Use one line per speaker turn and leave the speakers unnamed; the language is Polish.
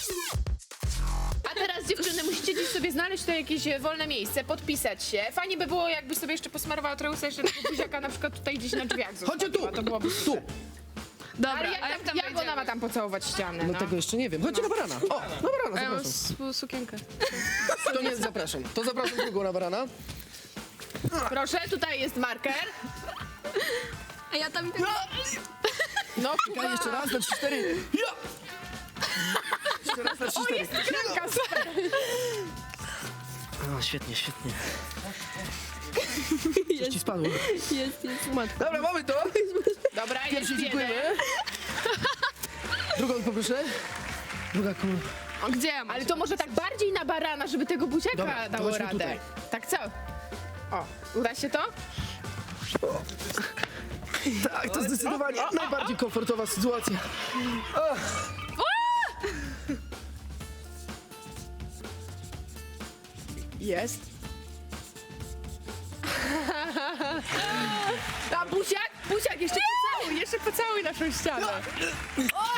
A teraz dziewczyny, musicie gdzieś sobie znaleźć tutaj jakieś wolne miejsce, podpisać się. Fajnie by było, jakbyś sobie jeszcze posmarowała trochę jeszcze tego buziaka na przykład tutaj gdzieś na drzwiach
Chodźcie tu!
zostawiła, to byłoby
Tu!
super.
Dobra,
Ale
a jak tam
jak ona ma tam pocałować ścianę,
No tego jeszcze nie wiem. Chodźcie na barana. O, na barana,
Ja mam
zapraszam.
sukienkę.
To nie zapraszam. To zapraszam drugą na barana.
Proszę, tutaj jest marker.
A ja tam...
No,
Czekaj, jeszcze raz, na 3-4. Ja! Jeszcze raz na 3-4.
Kranka, super.
O, świetnie, świetnie. Coś ci spadło.
Jest. Matko.
Dobra, mamy to.
Dobra, jest
Pierwszy
jeden.
dziękujemy. Drugą poproszę. Druga kula.
O, gdzie ja mam?
Ale to może tak bardziej na barana, żeby tego buziaka
Dobra, to
dało
chodźmy
radę.
tutaj.
Tak co? O, uda się to?
Tak, to zdecydowanie najbardziej komfortowa sytuacja.
Jest. A buziak, jeszcze pocałuj naszą ścianę.